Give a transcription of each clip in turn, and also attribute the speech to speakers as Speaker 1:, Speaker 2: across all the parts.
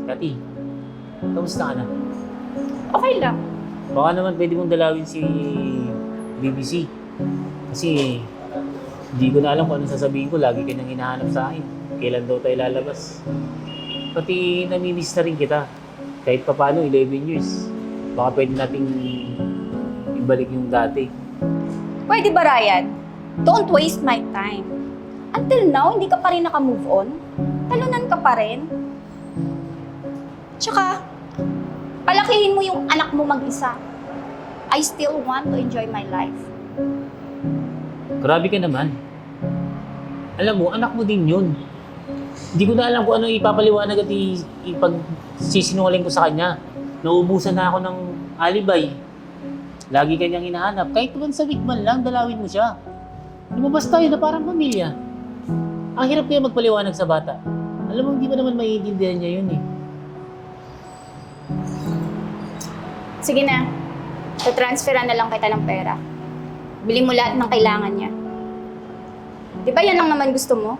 Speaker 1: Kati, kamusta ka na?
Speaker 2: Okay lang.
Speaker 1: Baka naman pwede mong dalawin si BBC. Kasi hindi ko na alam kung anong sasabihin ko. Lagi ka nang hinahanap sa akin. Kailan daw tayo lalabas? Pati namimiss na rin kita. Kahit pa paano, 11 years. Baka pwede nating ibalik yung dati.
Speaker 2: Pwede ba, Ryan? Don't waste my time. Until now, hindi ka pa rin naka-move on. Talunan ka pa rin. Tsaka, palakihin mo yung anak mo mag-isa. I still want to enjoy my life.
Speaker 1: Grabe ka naman. Alam mo, anak mo din yun. Hindi ko na alam kung ano ipapaliwanag at ipagsisinungaling ko sa kanya. Nauubusan na ako ng alibay. Lagi kanyang hinahanap. Kahit once a week man lang, dalawin mo siya. Lumabas tayo na parang pamilya. Ang hirap kaya magpaliwanag sa bata. Alam mo, hindi mo naman maiintindihan niya yun eh.
Speaker 2: Sige na. Tatransferan na lang kita ng pera. Bili mo lahat ng kailangan niya. Di ba yan lang naman gusto mo?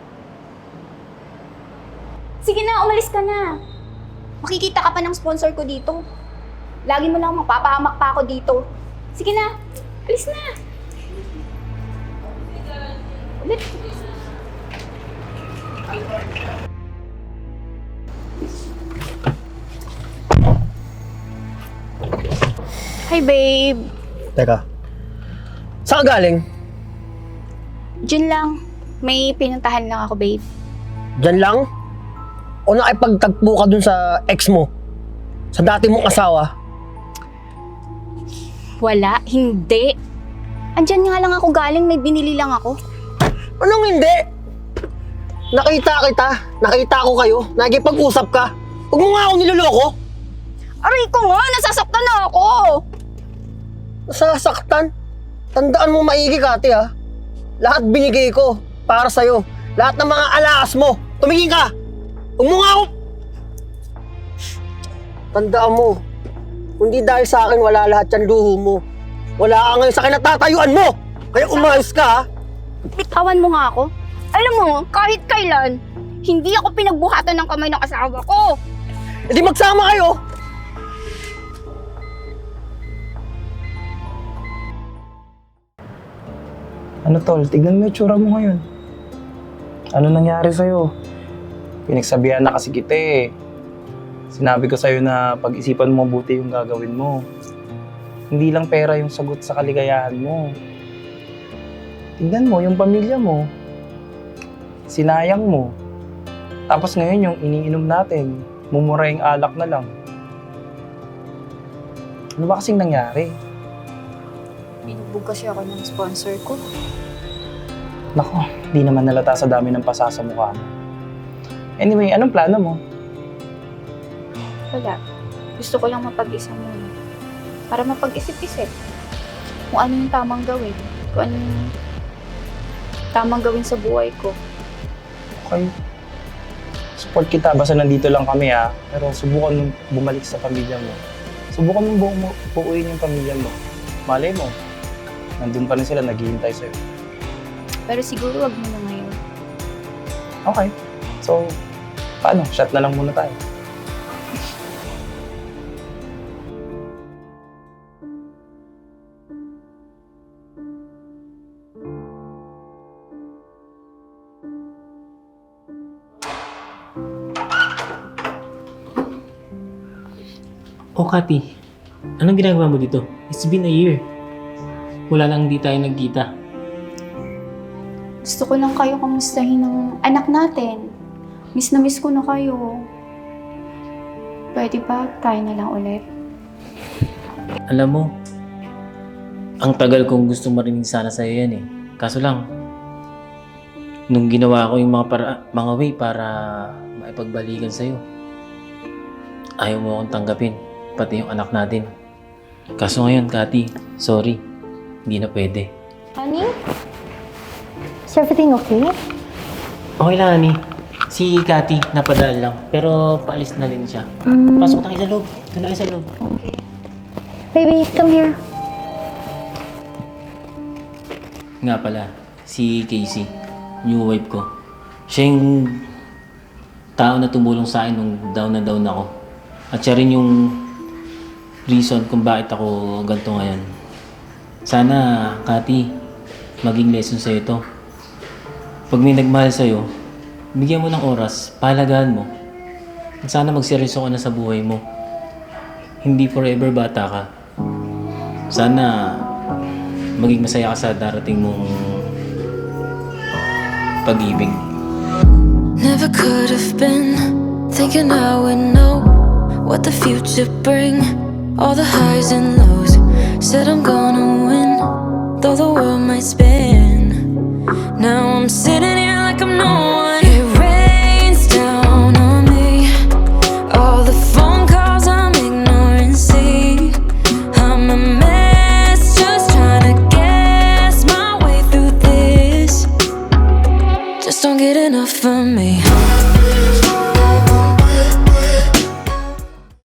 Speaker 2: Sige na, umalis ka na. Makikita ka pa ng sponsor ko dito. Lagi mo lang mapapahamak pa ako dito. Sige na, alis na. Ulit. Hi, babe.
Speaker 3: Teka, saan ka galing?
Speaker 2: Diyan lang. May pinuntahan lang ako, babe.
Speaker 3: Diyan lang? O nakipagtagpo ka dun sa ex mo? Sa dati mong asawa?
Speaker 2: Wala, hindi. Andyan nga lang ako galing, may binili lang ako.
Speaker 3: Anong hindi? Nakita ko kayo, nakikipag-usap ka. Huwag mo nga ako niloloko.
Speaker 2: Aray ko nga, nasasaktan na ako.
Speaker 3: Nasasaktan? Tandaan mo maigi, Kati, ha? Lahat binigay ko para sa'yo. Lahat ng mga alaas mo. Tumigil ka! Huwag mo nga ako... Tandaan mo, hindi dahil sa akin wala lahat yan luho mo. Wala ka ngayon sa kinatatayuan mo! Kaya umayos ka, ha?
Speaker 2: Bitawan mo nga ako. Alam mo, kahit kailan, hindi ako pinagbuhatan ng kamay ng asawa ko.
Speaker 3: E di magsama kayo!
Speaker 4: Ano tol, tignan mo yung tsura mo ngayon. Ano nangyari sa'yo? Pinagsabihan na kasi kita eh. Sinabi ko sa'yo na pag-isipan mo mabuti yung gagawin mo. Hindi lang pera yung sagot sa kaligayahan mo. Tignan mo yung pamilya mo. Sinayang mo. Tapos ngayon yung iniinom natin, mumura yung alak na lang. Ano ba kasing nangyari?
Speaker 2: Binubog kasi ako ng sponsor ko.
Speaker 4: Nako, di naman nalata sa dami ng pasa sa mukha mo. Anyway, anong plano mo?
Speaker 2: Wala. Gusto ko lang mapag-isa muna. Para mapag-isip-isip. Kung ano yung tamang gawin. Kung ano yung tamang gawin sa buhay ko.
Speaker 4: Okay. Support kita, basta nandito lang kami ha. Pero subukan mong bumalik sa pamilya mo. Subukan mong buuin yung pamilya mo. Malay mo, nandun pa rin sila, naghihintay sa'yo.
Speaker 2: Pero siguro wag mo na ngayon.
Speaker 4: Okay. So, paano? Shot na lang muna tayo.
Speaker 1: Oh, Kati, anong ginagawa mo dito? It's been a year. Wala lang hindi tayo nagkita.
Speaker 2: Gusto ko lang kayo kamustahin ng anak natin. Miss na miss ko na kayo. Pwede ba tayo na lang ulit?
Speaker 1: Alam mo, ang tagal kong gusto marinig sana sa'yo yan eh. Kaso lang, nung ginawa ko yung mga way para maipagbalikan sa'yo, ayaw mo akong tanggapin, pati yung anak natin. Kaso ngayon, Kati, sorry, hindi na pwede.
Speaker 2: Honey? Is everything okay?
Speaker 1: Okay lang, Ani. Si Kati, napadaan lang. Pero paalis na rin siya. Pasok na kayo sa loob. Ito na kayo sa loob.
Speaker 2: Baby, come here.
Speaker 1: Nga pala, si Casey, new wife ko. Siya yung tao na tumulong sa akin nung down na down ako. At siya rin yung reason kung bakit ako ganito ngayon. Sana, Kati, maging lesson sa'yo to. Pag may nagmahal sa'yo, bigyan mo ng oras, pahalagaan mo. At sana magseryoso ka na sa buhay mo. Hindi forever bata ka. Sana maging masaya ka sa darating mong pag-ibig.
Speaker 5: Never could have been thinking I would know what the future bring. All the highs and lows. Said I'm gonna win, though the world might spin. Now I'm sitting here like I'm no one